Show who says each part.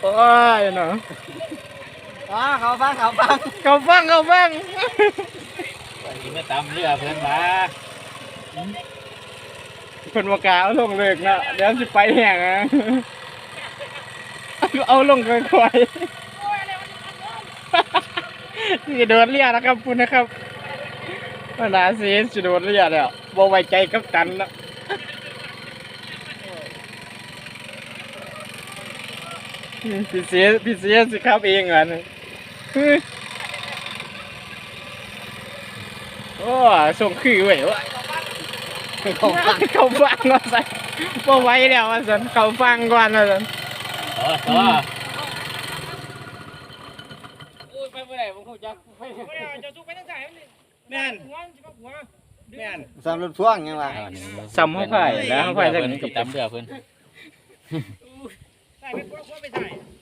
Speaker 1: โอ้ยเนาะ
Speaker 2: เขาฟัง
Speaker 3: ไปไม่ตามเรือเพื่อนมา
Speaker 1: คนวากาเอาลงเลิกนะเดี๋ยวจะไปแห้งอ่ะเอาลงค่อยๆนี่โดนเรียนะครับคุณนะครับมานาซีจะโดนเรียแล้วบ่ไว้ใจกับตันแล้วพี่เสียสิครับเองอ่ะโอ้ส่งคือเว้ยวะเขาฟังว่าใส่บ่ไว้แล้วว่าสันเขาฟังก่อนว่าสัน
Speaker 3: ต่อ
Speaker 1: ไปเมื่อไหร่ผมคงจะไปจะสู้ไปตั้งแต่แม่นแม่น
Speaker 2: สำรถพ่วงยังไง
Speaker 1: ซ้ำเขาไผ่แล้วเขาไผ่
Speaker 3: เพื่อนตามเรือเพื่อน
Speaker 1: ใส่เป็นพวกไปใส่